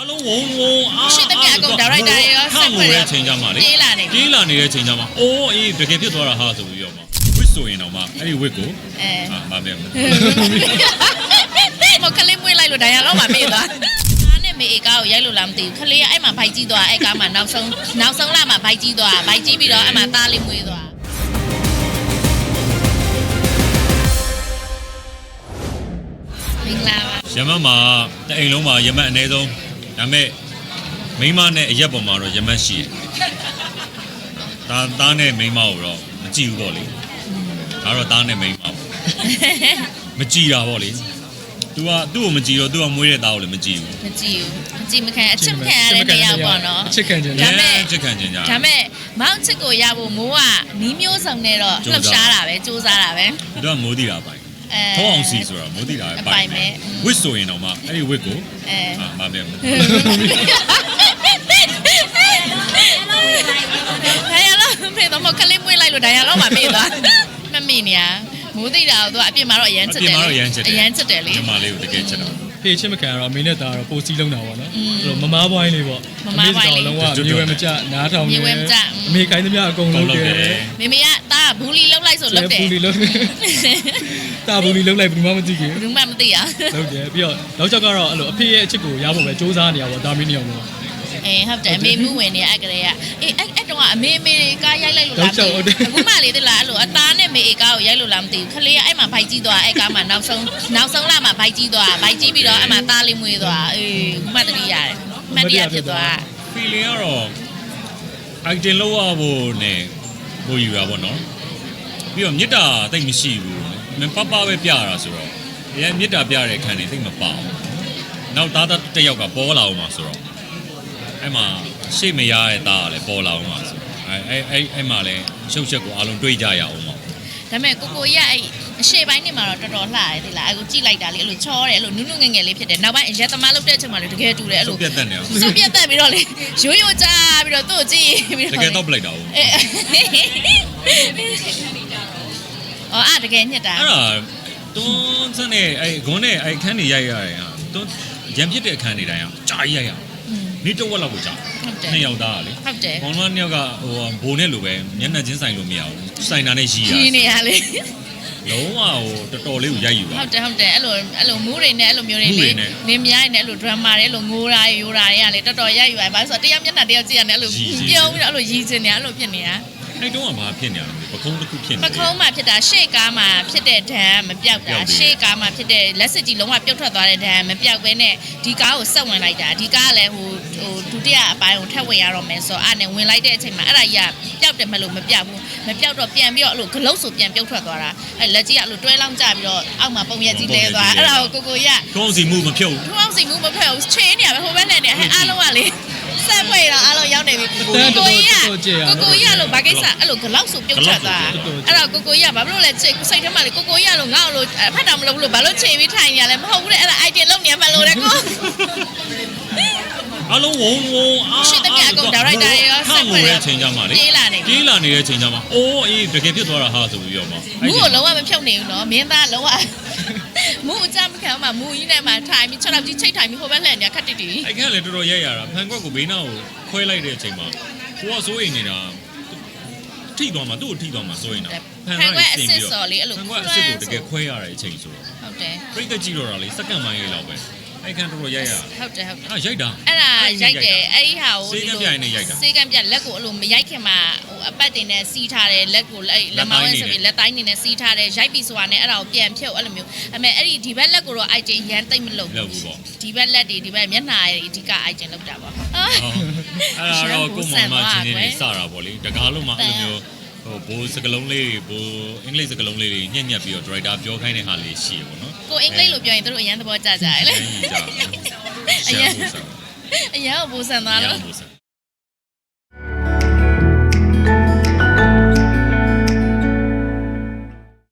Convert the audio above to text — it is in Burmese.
လုံးဝုံရှိသမျှအကုန်ဒါရိုက်တာရောစက်ဖွဲ့ရချိန်ကြမှာလေပြေးလာနေတဲ့ချိန်ကြမှာအိုးအေးတကယ်ဖြစ်သွားတာဟာဆိုပြီးတော့မှဝစ်ဆိုရင်တော့မှအဲ့ဒီဝစ်ကိုမမေမကလေးမွေးလိုက်လို့ဒါရတော့မှပြေးသွားအားနဲ့မေအေကားကိုရိုက်လို့လားမသိဘူးခလေးကအဲ့မှာဘိုက်ကြီးသွားအဲ့ကားမှာနောက်ဆုံးလာမှာဘိုက်ကြီးသွားဘိုက်ကြီးပြီးတော့အဲ့မှာသားလေးမွေးသွားမင်္ဂလာပါရမတ်မှာတအိမ်လုံးမှာရမတ်အနည်းဆုံးဒါပေမဲ့မိန်းမနဲ့အရက်ပေါ်မှာတော့ရမတ်ရှိတယ်သားနဲ့မိန်းမကိုတော့မကြည့်ဘူးပေါ့လေဒါတော့သားနဲ့မိန်းမပေါ့မကြည့်တာပေါ့လေသူ့ကိုမကြည့်တော့သူကမွေးတဲ့သားကိုလည်းမကြည့်ဘူးမကြည့်မခံအချစ်ခံရတဲ့တရားပေါ့နော်အချစ်ခံခြင်းဒါပေမဲ့အချစ်ခံခြင်းကြဒါပေမဲ့မောင်ချစ်ကိုရဖို့မိုးကနီးမျိုးစုံနဲ့တော့လှုပ်ရှားတာပဲစူးစမ်းတာပဲသူကမိုးတီတာပိုင်ထောင်းအောင်စီဆိုတာမိုးတီတာပိုင်မယ်ဝစ်ဆိုရင်တော့မှအဲ့ဒီဝစ်ကိုမမေဒါရတော့ဖေတော့မကလေးမွေးလိုက်လို့ဒါရတော့မှမေ့သွားမမေ့နေရမိုးသိတာတော့အပြစ်မှာတော့အရန်ချစ်တယ်အရန်ချစ်တယ်လေဒီမလေးကိုတကယ်ချစ်တာဖေးချင်းမခံတော့အမေနဲ့သားတော့ပိုစီးလုံးတာပေါ့နော်အဲ့တော့မမားပွိုင်းလေးပေါ့မမားပွိုင်းလေးလုံးဝမြေဝဲမကြနားထောင်နေအမေခိုင်းသမျှအကုန်လုံးတယ်မေမေကသားဘူးလီလုံးလိုက်ဆိုလုံးတယ်ဘူးလီလုံးတာဘူးလီလုံးလိုက်ဘူးမှမသိခင်ဘူးမှမသိရလုံးတယ်ပြီးတော့နောက်ချက်ကတော့အဲ့လိုအဖေရဲ့အချစ်ကိုရဖို့ပဲစူးစမ်းနေရပါတော့ဒါမင်းနေအောင်လို့ဟုတ်တယ်အမေမှုဝင်နေအဲ့ကလေးကအဲ့တော့အမေကားရိုက်လိုက်လို့လားအခုမှလေတလားအဲ့လိုအသားနဲ့မေကားကိုရိုက်လို့လားမသိဘူးခလေးကအဲ့မှာဘိုက်ကြီးသွားအဲ့ကားမှာနောက်ဆုံးလာမှာဘိုက်ကြီးသွားဘိုက်ကြီးပြီးတော့အဲ့မှာသားလေးမွေးသွားအခုမှတတိရတယ်မှတ်တရဖြစ်သွား feeling ကတော့ item လောက်ရဖို့နဲ့ကိုယူတာပေါ့နော်ပြီးတော့မြစ်တာတိတ်မရှိဘူးမပပပဲပြတာဆိုတော့အရင်မြစ်တာပြတဲ့ခန်းနေတိတ်မပေါအောင်နောက်သားတစ်ယောက်ကပေါ်လာအောင်မှာဆိုတော့အဲ့မှာရှေ့မရတဲ့သားကလည်းပေါ်လာအောင်မှာဆိုအဲ့မှာလည်းရှုပ်ချက်ကိုအားလုံးတွေးကြရအောင်ပါဒါပေမဲ့ကိုရအဲ့အရှေ့ပိုင်းနေမှာတော့တော်တော်လှတယ်ဒီလားအခုကြည့်လိုက်တာလေအဲ့လိုချောတယ်အဲ့လိုနုနုငယ်ငယ်လေးဖြစ်တယ်နောက်ပိုင်းရက်သမားလုပ်တဲ့အချိန်မှာလေတကယ်တူတယ်အဲ့လိုပြတ်တက်နေအောင်ပြတ်တက်ပြီးတော့လေရိုးကြပြီးတော့သူ့ကိုကြည့်ပြီးတော့တကယ်တော့ပလိုက်တာဟုတ်အဲ့တကယ်ညစ်တာအဲ့ဒါတွန်းစနဲ့အဲ့ဂွန်းနဲ့အဲ့ခန်းနေရိုက်ရတယ်ဟာတွန်းရံပြစ်တဲ့အခန်းနေတိုင်းအောင်ကြာရိုက်ရနေတော့ဝက်လောက်ကိုကြာနှစ်ယောက်သားလေဟုတ်တယ်ဘောလုံးနှစ်ယောက်ကဟိုဘိုးနဲ့လိုပဲမျက်နှာချင်းဆိုင်လို့မရဘူးဆိုင်တာနဲ့ရီနေရလေလုံးဝဟိုတော်တော်လေးကိုရိုက်ယူပါဟုတ်တယ်အဲ့လိုမူးတွေနဲ့အဲ့လိုမျိုးတွေလေနေမြိုင်းနဲ့အဲ့လို drama တွေအဲ့လိုငိုတာရိုးတာတွေကလေတော်တော်ရိုက်ယူပါဘာလို့ဆိုတော့တရားမျက်နှာတရားကြည့်ရတယ်အဲ့လိုပြုံးပြီးတော့အဲ့လိုရီချင်နေအဲ့လိုဖြစ်နေတာအဲ့တုန်းကဘာဖြစ်နေရလဲပကုံးတစ်ခုဖြစ်နေပကုံးမှာဖြစ်တာရှေ့ကားမှာဖြစ်တဲ့ဒဏ်မပြောက်တာရှေ့ကားမှာဖြစ်တဲ့လက်စစ်ကြီးလုံးဝပြုတ်ထွက်သွားတဲ့ဒဏ်မပြောက်ဘဲနဲ့ဒီကားကိုဆက်ဝင်လိုက်တာဒီကားကလည်းဟိုဒုတိယအပိုင်းကိုထပ်ဝင်ရတော့မယ်ဆိုတော့အဲ့နဲ့ဝင်လိုက်တဲ့အချိန်မှာအဲ့ဒါကြီးကပျောက်တယ်မလို့မပြောက်ဘူးမပြောက်တော့ပြန်ပြီးတော့အဲ့လိုဂလုတ်ဆိုပြန်ပြုတ်ထွက်သွားတာအဲ့လက်ကြီးကအဲ့လိုတွဲလောင်းကျပြီးတော့အောက်မှာပုံရက်ကြီးလဲသွားအဲ့ဒါကိုကိုရထုံးစီမှုမဖြုတ်ထုံးစီမှုမဖြုတ်ချေးနေရပဲဟိုဘက်နဲ့နေအဲ့အားလုံးကလေဆက်ဖွေတော့အားလုံးရောက်နေပြီကိုရလို့ဘာကိစ္စအဲ့လိုဂလောက်ဆိုပြုတ်ထွက်သွားအဲ့တော့ကိုရဘာလို့လဲစိတ်ထဲမှာလေကိုရလို့ငါ့လို့ဖတ်တာမလုပ်ဘူးလို့ဘာလို့ချိန်ပြီးထိုင်နေရလဲမဟုတ်ဘူးလေအဲ့ဒါ idea လုံးနေမှလို့တဲ့ကိုအလုံးဝုံရှိသမျှအကုန်ဒါရိုက်တာရောစက်ဖွဲ့ရချိန်ကြမှာလေပြေးလာနေတဲ့ချိန်ကြမှာအိုးအေးတကယ်ဖြစ်သွားတာဟာဆိုပြီးတော့မှမူးကိုလုံးဝမဖြုတ်နိုင်ဘူးနော်မင်းသားလုံးဝမူးအကြမ်းမခံမှာမူးကြီးနဲ့မှထိုင်ပြီး6လောက်ကြီးချိတ်ထိုင်ပြီးဟိုဘက်လှည့်နေခက်တိတိအဲ့ကလည်းတော်တော်ရိုက်ရတာဖန်ကွက်ကိုဘေးနားကိုခွဲလိုက်တဲ့အချိန်မှာကိုကစိုးရိမ်နေတာထိသွားမှာသူ့ကိုထိသွားမှာစိုးရိမ်တာဖန်ကွက်အစ်စ်စော်လေးအဲ့လိုဖန်ကွက်အစ်စ်ကိုတကယ်ခွဲရတဲ့အချိန်ဆိုတော့ဟုတ်တယ်ပြိတ္တကြည့်တော့တာလေစက္ကန့်ပိုင်းလေးလောက်ပဲအဲ့ခန်းတော်တော်ရိုက်ရဟုတ်တယ်ရိုက်တာအဲ့ဒါရိုက်တယ်အဲ့ဒီဟာကိုစေကံပြိုင်နဲ့ရိုက်တာစေကံပြလက်ကိုအဲ့လိုမရိုက်ခင်မှာဟိုအပတ်တင်နဲ့စီးထားတယ်လက်ကိုလက်မောင်းနဲ့ဆိုပြီးလက်တိုင်းနေနဲ့စီးထားတယ်ရိုက်ပြီးဆိုတာနဲ့အဲ့ဒါကိုပြန်ဖြုတ်အဲ့လိုမျိုးအမေအဲ့ဒီဘက်လက်ကိုတော့ item ရန်တိတ်မလုပ်ဘူးပေါ့ဒီဘက်လက်တွေဒီဘက်မျက်နှာတွေအဓိက item လောက်တာပေါ့အဲ့ဒါတော့ကိုမမချင်းနေစတာပေါ့လေတကားလုံးမှာအဲ့လိုမျိုးဟိုဘိုးစကလုံးလေးဘိုးအင်္ဂလိပ်စကလုံးလေးတွေညက်ပြီးတော့ director ပြောခိုင်းတဲ့ဟာလေးရှိရပေါ့နော်ကိုအင်္ဂလိပ်လိုပြောရင်တို့အရန်သဘောကျကြတယ်လေအရန်ဘူဆန်သွားလို့